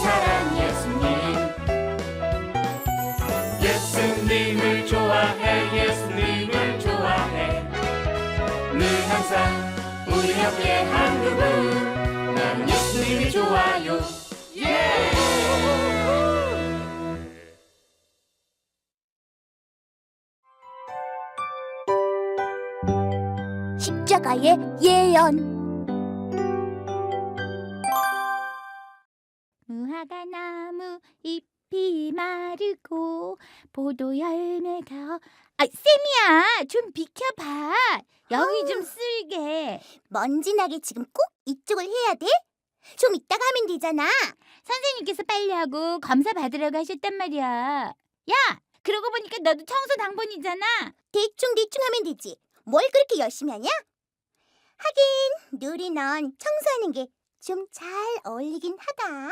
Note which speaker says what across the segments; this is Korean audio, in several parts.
Speaker 1: 사랑 예수님. 예수님을 좋아해, 예수님을 좋아해. 늘 항상 우리 옆에 한 그분, 난 예수님이 좋아요. 예!
Speaker 2: 십자가의 예언. 무화과 나무 잎이 마르고 포도 열매가 쌤이야, 좀 비켜봐. 여기 좀 쓸게. 먼지 나게 지금 꼭 이쪽을 해야 돼? 좀 이따가 하면 되잖아. 선생님께서 빨리 하고 검사 받으라고 하셨단 말이야. 야, 그러고 보니까 너도 청소 당번이잖아. 대충 하면 되지. 뭘 그렇게 열심히 하냐? 하긴 누리 넌 청소하는 게 좀 잘 어울리긴 하다.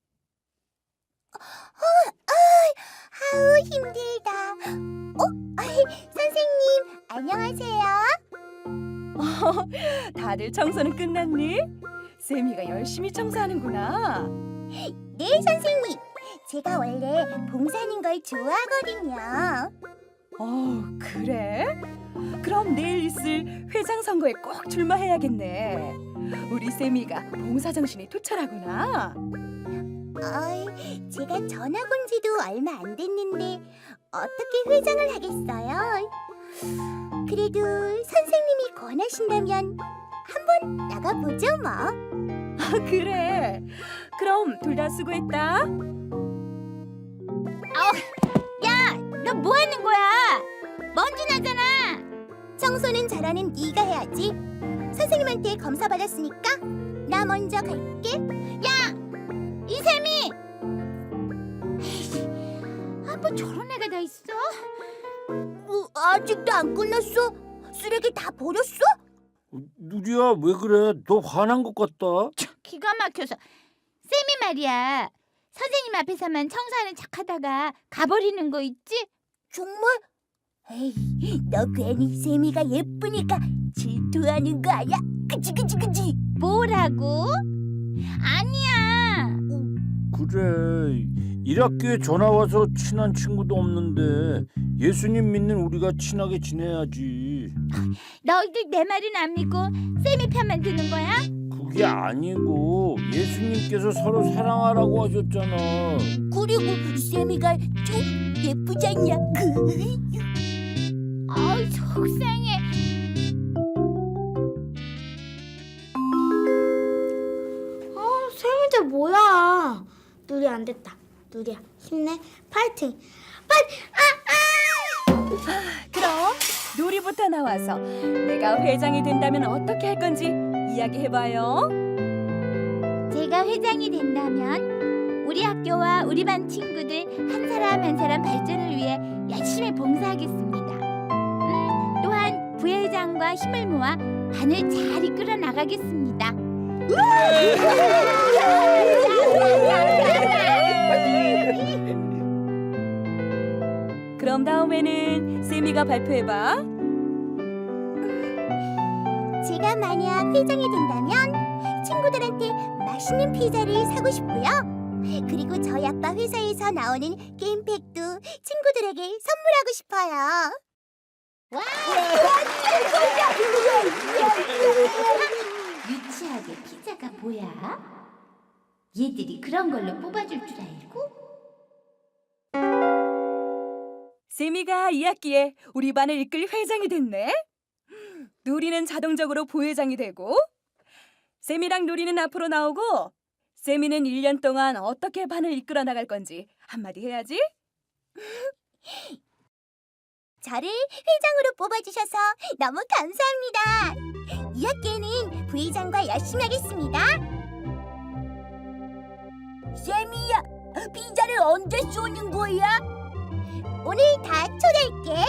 Speaker 2: 아우 힘들다. 선생님 안녕하세요.
Speaker 3: 다들 청소는 끝났니? 세미가 열심히 청소하는구나.
Speaker 2: 네 선생님, 제가 원래 봉사하는 걸 좋아하거든요.
Speaker 3: 그래? 그럼 내일 있을 회장 선거에 꼭 출마해야겠네. 우리 세미가 봉사정신이 투철하구나.
Speaker 2: 제가 전학 온 지도 얼마 안 됐는데 어떻게 회장을 하겠어요? 그래도 선생님이 권하신다면 한번 나가보죠 뭐.
Speaker 3: 그래. 그럼 둘 다 수고했다.
Speaker 2: 야, 너 뭐 하는 거야? 먼지 나잖아. 청소는 잘하는 네가 해야지. 선생님한테 검사 받았으니까 나 먼저 갈게. 야, 이세미! 뭐 저런 애가 다 있어? 아직도 안 끝났어? 쓰레기 다 버렸어?
Speaker 4: 누리야, 왜 그래? 너 화난 것 같다.
Speaker 2: 기가 막혀서. 쌤이 말이야, 선생님 앞에서만 청소하는 척하다가 가버리는 거 있지? 정말? 에이, 너 괜히 쌤이가 예쁘니까 질투하는 거 아니야? 그치? 뭐라고? 아니야.
Speaker 4: 그래, 1학기에 전화 와서 친한 친구도 없는데 예수님 믿는 우리가 친하게 지내야지.
Speaker 2: 너희들 내 말은 안 믿고 쌤이 편만 드는 거야?
Speaker 4: 그게 아니고 예수님께서 서로 사랑하라고 하셨잖아.
Speaker 2: 그리고 쌤이가 좀 예쁘지 않냐? 속상해.
Speaker 5: 쌤이들 뭐야? 누리 안 됐다. 누리야 힘내. 파이팅.
Speaker 3: 그럼 누리부터 나와서 내가 회장이 된다면 어떻게 할 건지 이야기해봐요.
Speaker 2: 제가 회장이 된다면 우리 학교와 우리 반 친구들 한 사람 한 사람 발전을 위해 열심히 봉사하겠습니다. 또한 부회장과 힘을 모아 반을 잘 이끌어 나가겠습니다.
Speaker 3: 그럼 다음에는 세미가 발표해봐.
Speaker 2: 제가 만약 회장이 된다면 친구들한테 맛있는 피자를 사고 싶고요. 그리고 저희 아빠 회사에서 나오는 게임팩도 친구들에게 선물하고 싶어요. 유치하게 피자가 뭐야? 얘들이 그런 걸로 뽑아줄 줄 알고?
Speaker 3: 세미가 2학기에 우리 반을 이끌 회장이 됐네. 누리는 자동적으로 부회장이 되고, 세미랑 누리는 앞으로 나오고, 세미는 1년 동안 어떻게 반을 이끌어 나갈 건지 한마디 해야지.
Speaker 2: 저를 회장으로 뽑아주셔서 너무 감사합니다. 2학기에는 부회장과 열심히 하겠습니다. 세미야, 피자를 언제 쏘는 거야? 오늘 다 초대할게.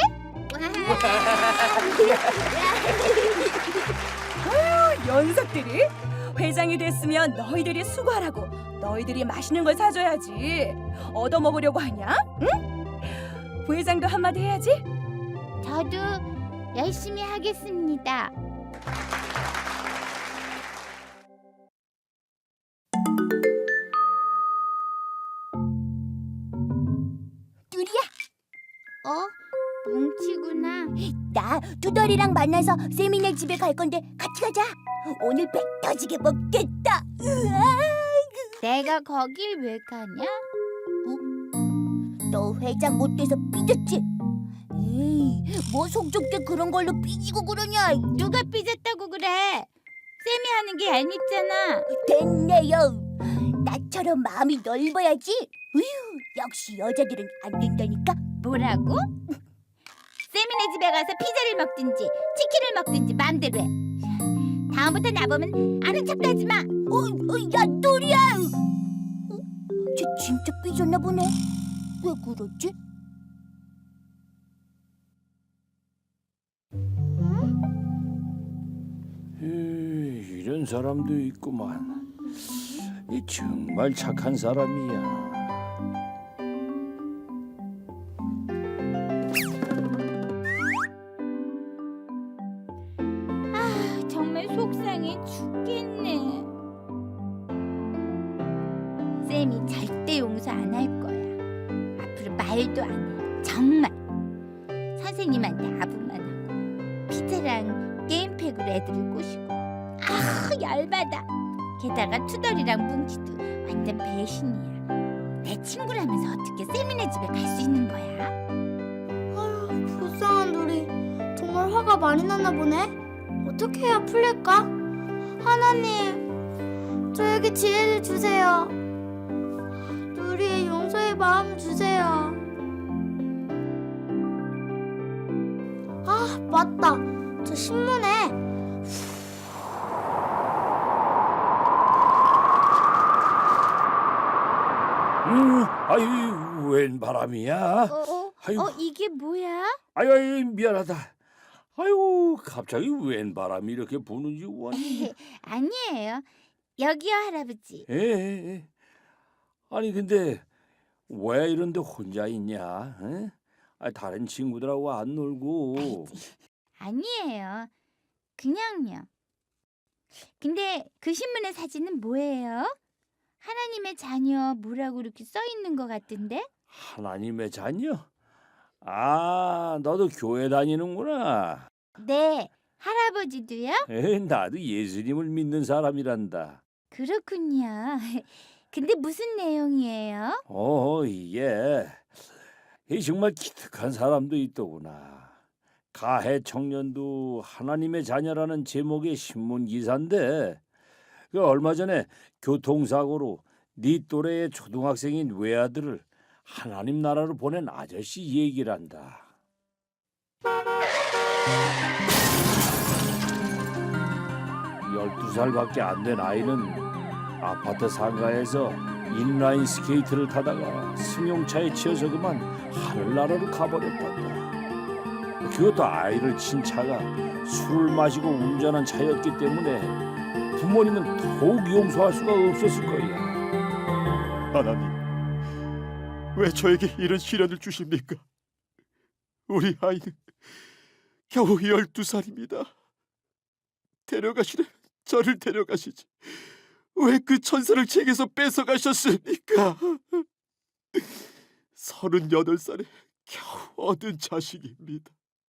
Speaker 3: 녀석들이 회장이 됐으면 너희들이 수고하라고, 너희들이 맛있는 걸 사줘야지. 얻어먹으려고 하냐? 응? 부회장도 한마디 해야지.
Speaker 2: 저도 열심히 하겠습니다. 나 두더리랑 만나서 세미네 집에 갈 건데 같이 가자. 오늘 배 터지게 먹겠다. 내가 거길 왜 가냐? 너 회장 못 돼서 삐졌지? 에이, 뭐 속 좁게 그런 걸로 삐지고 그러냐? 누가 삐졌다고 그래? 쌤이 하는 게 얄밉잖아. 됐네요. 나처럼 마음이 넓어야지. 으휴, 역시 여자들은 안 된다니까. 뭐라고? 세미네 집에 가서 피자를 먹든지 치킨을 먹든지 마음대로 해. 다음부터 나보면 아는 척도 하지 마. 야, 노리야. 쟤 진짜 삐졌나 보네. 왜 그러지?
Speaker 4: 이런 사람도 있구만. 이 정말 착한 사람이야.
Speaker 2: 정말 속상해 죽겠네. 쌤이 절대 용서 안 할 거야. 앞으로 말도 안 해. 정말. 선생님한테 아부만 하고 피자랑 게임팩으로 애들을 꼬시고. 열받아. 게다가 투덜이랑 뭉치도 완전 배신이야. 내 친구라면서 어떻게 세미네 집에 갈 수 있는 거야?
Speaker 5: 아휴, 불쌍한 누리. 정말 화가 많이 났나 보네. 어떻게 해야 풀릴까? 하나님, 저에게 지혜를 주세요. 누리의 용서의 마음을 주세요. 아, 맞다. 저 신문에
Speaker 4: 아유, 웬 바람이야? 아이고.
Speaker 2: 이게 뭐야?
Speaker 4: 아유, 미안하다. 아유, 갑자기 웬 바람이 이렇게 부는지 원이.
Speaker 2: 아니에요. 여기요, 할아버지.
Speaker 4: 예. 아니 근데 왜 이런데 혼자 있냐? 에? 다른 친구들하고 안 놀고.
Speaker 2: 아니에요. 그냥요. 근데 그 신문의 사진은 뭐예요? 하나님의 자녀 뭐라고 이렇게 써 있는 것 같은데?
Speaker 4: 하나님의 자녀? 아, 너도 교회 다니는구나.
Speaker 2: 네, 할아버지도요?
Speaker 4: 나도 예수님을 믿는 사람이란다.
Speaker 2: 그렇군요. 근데 무슨 내용이에요?
Speaker 4: 이게 정말 기특한 사람도 있더구나. 가해 청년도 하나님의 자녀라는 제목의 신문 기사인데, 얼마 전에 교통사고로 네 또래의 초등학생인 외아들을 하나님 나라로 보낸 아저씨 얘기란다. 12살밖에 안 된 아이는 아파트 상가에서 인라인 스케이트를 타다가 승용차에 치여서 그만 하늘나라로 가버렸단다. 그것도 아이를 친 차가 술을 마시고 운전한 차였기 때문에 부모님은 더욱 용서할 수가 없었을 거야.
Speaker 6: 하나님, 왜 저에게 이런 시련을 주십니까? 우리 아이는 겨우 12살입니다. 데려가시려 저를 데려가시지. 왜 그 천사를 제게서 뺏어가셨습니까? 38살에 겨우 얻은 자식입니다.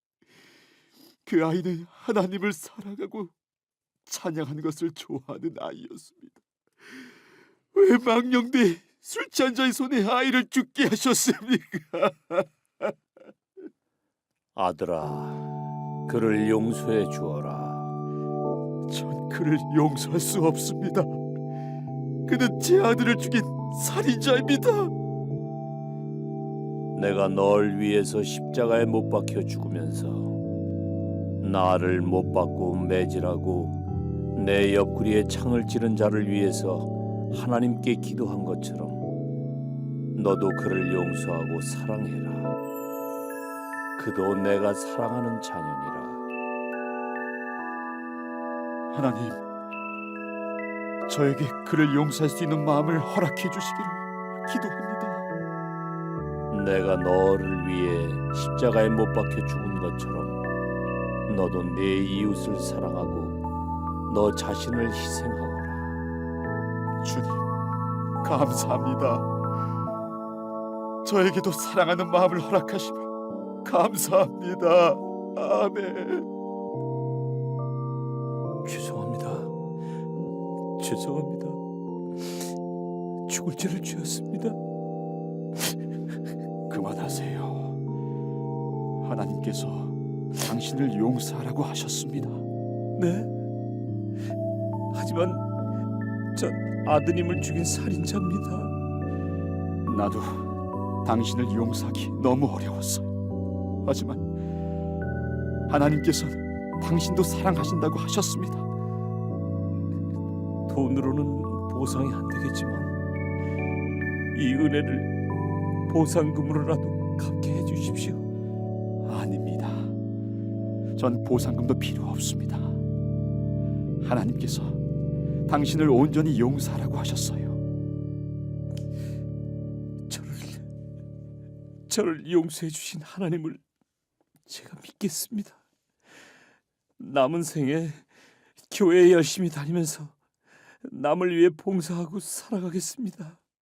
Speaker 6: 그 아이는 하나님을 사랑하고 찬양하는 것을 좋아하는 아이였습니다. 왜 망령돼 술 취한 자의 손에 아이를 죽게 하셨습니까?
Speaker 4: 아들아, 그를 용서해 주어라.
Speaker 6: 전 그를 용서할 수 없습니다. 그는 제 아들을 죽인 살인자입니다.
Speaker 4: 내가 널 위해서 십자가에 못 박혀 죽으면서 나를 못 박고 매질하고 내 옆구리에 창을 찌른 자를 위해서 하나님께 기도한 것처럼 너도 그를 용서하고 사랑해라. 그도 내가 사랑하는 자녀니라.
Speaker 6: 하나님, 저에게 그를 용서할 수 있는 마음을 허락해 주시기를 기도합니다.
Speaker 4: 내가 너를 위해 십자가에 못 박혀 죽은 것처럼 너도 내 이웃을 사랑하고 너 자신을 희생하거라.
Speaker 6: 주님, 감사합니다. 저에게도 사랑하는 마음을 허락하심을 감사합니다. 아멘.
Speaker 4: 죄송합니다. 죄송합니다. 죽을 죄를 지었습니다.
Speaker 6: 그만하세요. 하나님께서 당신을 용서하라고 하셨습니다.
Speaker 4: 네? 하지만 전 아드님을 죽인 살인자입니다.
Speaker 6: 나도 당신을 용서하기 너무 어려웠어요. 하지만 하나님께서는 당신도 사랑하신다고 하셨습니다.
Speaker 4: 돈으로는 보상이 안 되겠지만 이 은혜를 보상금으로라도 갚게 해주십시오.
Speaker 6: 아닙니다. 전 보상금도 필요 없습니다. 하나님께서 당신을 온전히 용서하라고 하셨어요.
Speaker 4: 저를 용서해 주신 하나님을 제가 믿겠습니다. 남은 생에 교회에 열심히 다니면서 남을 위해 봉사하고 살아가겠습니다.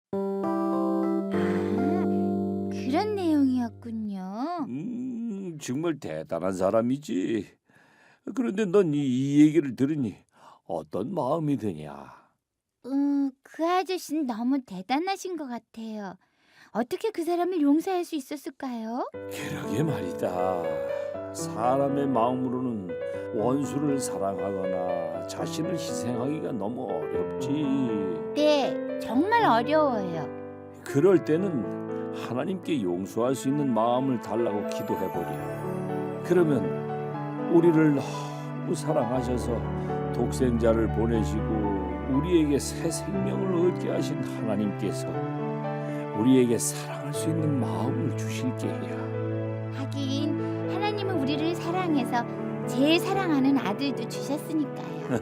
Speaker 2: 그런 내용이었군요.
Speaker 4: 정말 대단한 사람이지. 그런데 넌 이 얘기를 들으니 어떤 마음이 드냐?
Speaker 2: 그 아저씨는 너무 대단하신 것 같아요. 어떻게 그 사람을 용서할 수 있었을까요?
Speaker 4: 그러게 말이다. 사람의 마음으로는 원수를 사랑하거나 자신을 희생하기가 너무 어렵지.
Speaker 2: 네, 정말 어려워요.
Speaker 4: 그럴 때는 하나님께 용서할 수 있는 마음을 달라고 기도해버려. 그러면 우리를 너무 사랑하셔서 독생자를 보내시고 우리에게 새 생명을 얻게 하신 하나님께서 우리에게 사랑할 수 있는 마음을 주실 게야.
Speaker 2: 하긴 하나님은 우리를 사랑해서 제일 사랑하는 아들도 주셨으니까요.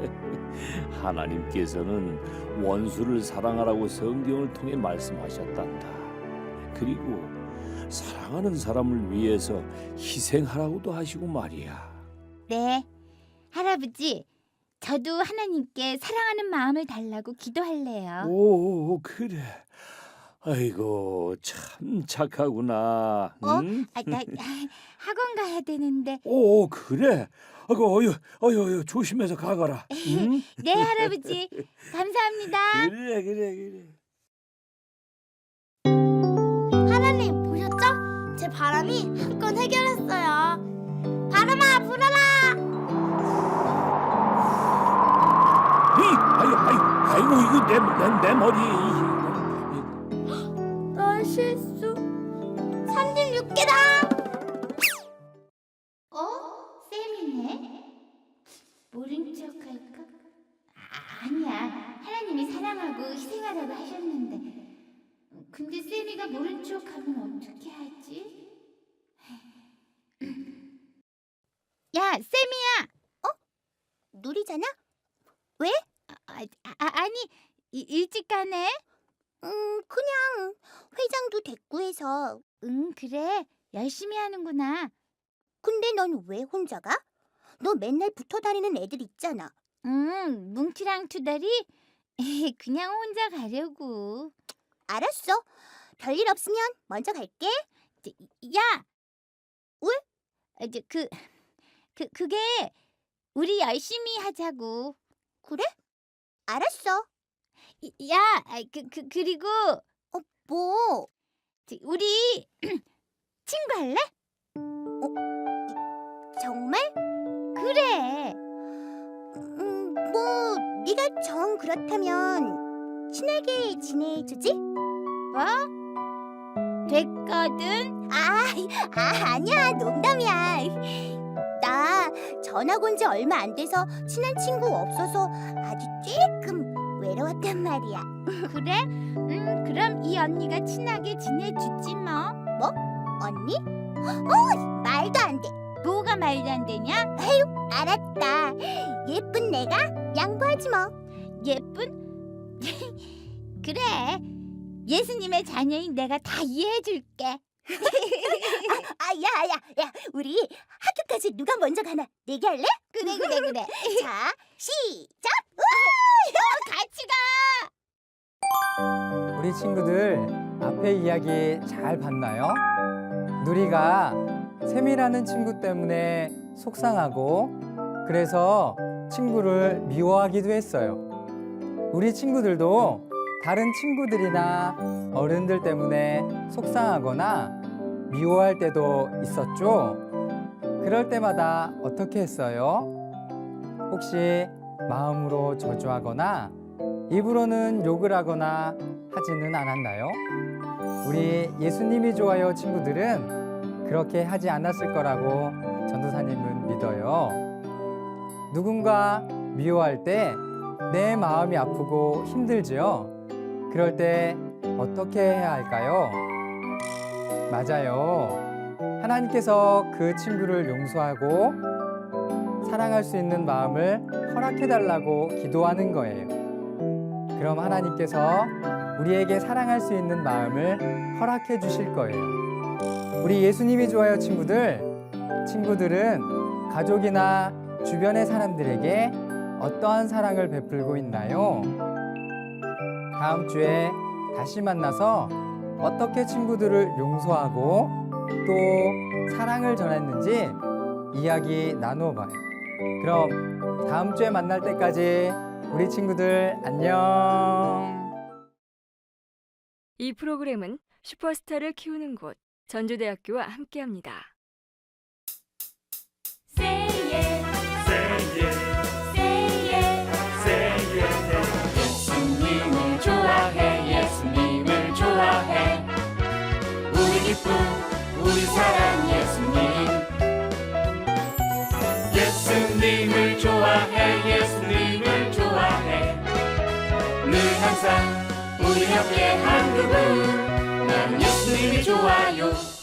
Speaker 4: 하나님께서는 원수를 사랑하라고 성경을 통해 말씀하셨단다. 그리고 사랑하는 사람을 위해서 희생하라고도 하시고 말이야.
Speaker 2: 네, 할아버지, 저도 하나님께 사랑하는 마음을 달라고 기도할래요.
Speaker 4: 오, 그래. 아이고, 참 착하구나. 응?
Speaker 2: 나 학원 가야 되는데.
Speaker 4: 오, 그래. 아이고, 어휴, 조심해서 가거라. 응?
Speaker 2: 네, 할아버지, 감사합니다.
Speaker 4: 그래.
Speaker 5: 하나님 보셨죠? 제 바람이 한 건 해결했어요. 바람아 불어라.
Speaker 4: 아이고, 이거 내 머리.
Speaker 5: 나 실수. 36개다.
Speaker 2: 쌤이네? 모른 척할까? 아니야, 하나님이 사랑하고 희생하라고 하셨는데. 근데 쌤이가 모른 척하면 어떻게 하지? 야, 쌤이야! 누리잖아? 왜? 아니, 일찍 가네? 그냥 회장도 됐고 해서. 그래. 열심히 하는구나. 근데 넌 왜 혼자 가? 너 맨날 붙어 다니는 애들 있잖아. 뭉티랑 투덜이? 그냥 혼자 가려고. 알았어. 별일 없으면 먼저 갈게. 야! 왜? 그게 우리 열심히 하자고. 그래? 알았어. 야, 그리고 뭐? 우리 친구 할래? 정말? 그래. 뭐 네가 정 그렇다면 친하게 지내주지? 뭐? 됐거든. 아니야, 농담이야. 나 전학 온 지 얼마 안 돼서 친한 친구 없어서 아주 조금 외로웠단 말이야. 그래? 그럼 이 언니가 친하게 지내주지 뭐. 뭐? 언니? 말도 안 돼. 뭐가 말도 안 되냐? 에휴, 알았다. 예쁜 내가 양보하지 뭐. 예쁜? 그래. 예수님의 자녀인 내가 다 이해해줄게. 야, 우리 학교까지 누가 먼저 가나 내기할래? 그래. 자, 시작. 같이 가.
Speaker 7: 우리 친구들 앞에 이야기 잘 봤나요? 누리가 샘이라는 친구 때문에 속상하고 그래서 친구를 미워하기도 했어요. 우리 친구들도 다른 친구들이나 어른들 때문에 속상하거나 미워할 때도 있었죠. 그럴 때마다 어떻게 했어요? 혹시 마음으로 저주하거나 입으로는 욕을 하거나 하지는 않았나요? 우리 예수님이 좋아요 친구들은 그렇게 하지 않았을 거라고 전도사님은 믿어요. 누군가 미워할 때 내 마음이 아프고 힘들지요? 그럴 때 어떻게 해야 할까요? 맞아요. 하나님께서 그 친구를 용서하고 사랑할 수 있는 마음을 허락해달라고 기도하는 거예요. 그럼 하나님께서 우리에게 사랑할 수 있는 마음을 허락해 주실 거예요. 우리 예수님이 좋아요 친구들은 가족이나 주변의 사람들에게 어떠한 사랑을 베풀고 있나요? 다음 주에 다시 만나서 어떻게 친구들을 용서하고 또 사랑을 전했는지 이야기 나누어 봐요. 그럼 다음 주에 만날 때까지 우리 친구들 안녕.
Speaker 8: 이 프로그램은 슈퍼스타를 키우는 곳 전주대학교와 함께합니다.
Speaker 1: 예수님을 좋아해 예수님을 좋아해 우리 기쁨 우리 사랑 예수님 예수님을 좋아해 예수님을 좋아해 늘 항상 우리 옆에 한 그분 나는 예수님이 좋아요.